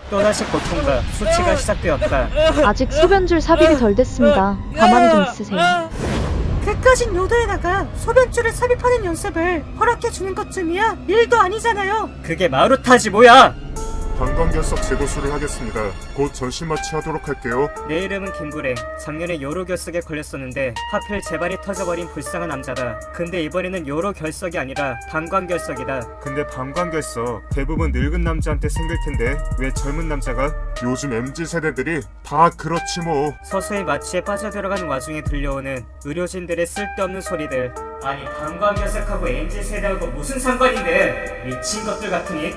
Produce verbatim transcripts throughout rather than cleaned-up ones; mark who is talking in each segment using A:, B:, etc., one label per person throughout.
A: 또다시 고통과 수치가 시작되었다.
B: 아직 소변줄 삽입이 덜 됐습니다. 가만히 좀 있으세요.
C: 그까진 요도에다가 소변줄을 삽입하는 연습을 허락해주는 것쯤이야 일도 아니잖아요.
A: 그게 마루타지 뭐야!
D: 방광결석 제도술을 하겠습니다. 곧 전신 마취하도록 할게요.
A: 내 이름은 김구랭. 작년에 요로결석에 걸렸었는데 하필 재발이 터져버린 불쌍한 남자다. 근데 이번에는 요로결석이 아니라 방광결석이다.
D: 근데 방광결석 대부분 늙은 남자한테 생길 텐데 왜 젊은 남자가? 요즘 엠지 세대들이 다 그렇지 뭐.
A: 서서히 마취에 빠져들어가는 와중에 들려오는 의료진들의 쓸데없는 소리들. 아니 방광결석하고 엠지 세대하고 무슨 상관인데? 미친 것들 같으니.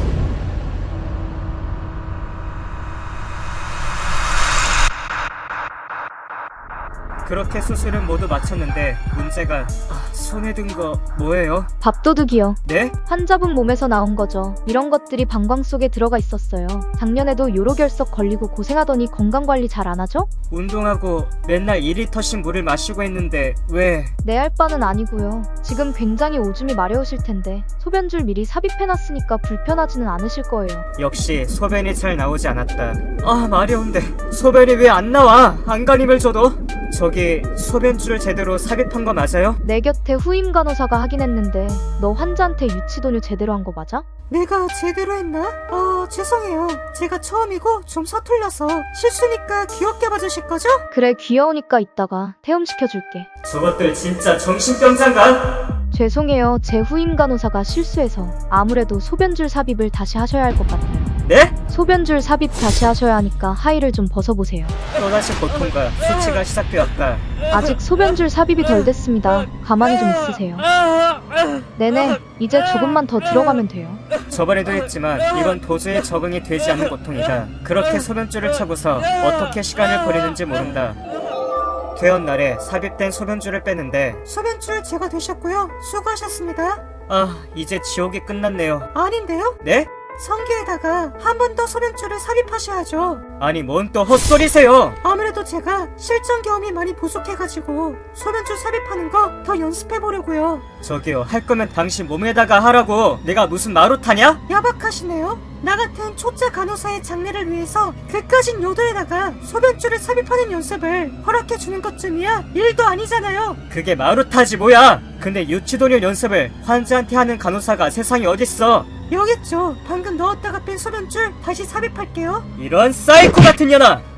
A: 그렇게 수술은 모두 마쳤는데 문제가 아, 손에 든 거 뭐예요?
B: 밥도둑이요.
A: 네?
B: 환자분 몸에서 나온 거죠. 이런 것들이 방광 속에 들어가 있었어요. 작년에도 요로결석 걸리고 고생하더니 건강관리 잘 안 하죠?
A: 운동하고 맨날 이 리터씩 물을 마시고 있는데 왜?
B: 내 할 바는 아니고요. 지금 굉장히 오줌이 마려우실 텐데 소변줄 미리 삽입해놨으니까 불편하지는 않으실 거예요.
A: 역시 소변이 잘 나오지 않았다. 아 마려운데 소변이 왜 안 나와? 안간힘을 줘도? 저기 소변줄을 제대로 삽입한 거 맞아요?
B: 내 곁에 후임 간호사가 하긴 했는데 너 환자한테 유치도뇨 제대로 한 거 맞아?
C: 내가 제대로 했나? 어 죄송해요. 제가 처음이고 좀 서툴러서 실수니까 귀엽게 봐주실 거죠?
B: 그래 귀여우니까 이따가 퇴원시켜줄게.
A: 저것들 진짜 정신병자인가?
B: 죄송해요. 제 후임 간호사가 실수해서 아무래도 소변줄 삽입을 다시 하셔야 할 것 같아요.
A: 네?
B: 소변줄 삽입 다시 하셔야 하니까 하의를 좀 벗어보세요.
A: 또다시 고통과 수치가 시작되었다.
B: 아직 소변줄 삽입이 덜 됐습니다. 가만히 좀 있으세요. 네네, 이제 조금만 더 들어가면 돼요.
A: 저번에도 했지만 이건 도저히 적응이 되지 않는 고통이다. 그렇게 소변줄을 차고서 어떻게 시간을 보내는지 모른다. 퇴원 날에 삽입된 소변줄을 빼는데
C: 소변줄 제거되셨고요. 수고하셨습니다.
A: 아 이제 지옥이 끝났네요.
C: 아닌데요?
A: 네?
C: 성기에다가 한 번 더 소변줄을 삽입하셔야죠.
A: 아니 뭔 또 헛소리세요.
C: 아무래도 제가 실전 경험이 많이 부족해가지고 소변줄 삽입하는 거 더 연습해보려고요.
A: 저기요 할 거면 당신 몸에다가 하라고. 내가 무슨 마루타냐?
C: 야박하시네요. 나 같은 초짜 간호사의 장래를 위해서 그까진 요도에다가 소변줄을 삽입하는 연습을 허락해주는 것쯤이야 일도 아니잖아요.
A: 그게 마루타지 뭐야. 근데 유치도뇨 연습을 환자한테 하는 간호사가 세상에 어딨어.
C: 여기 있죠. 방금 넣었다가 뺀 소변줄 다시 삽입할게요.
A: 이런 사이코 같은 년아.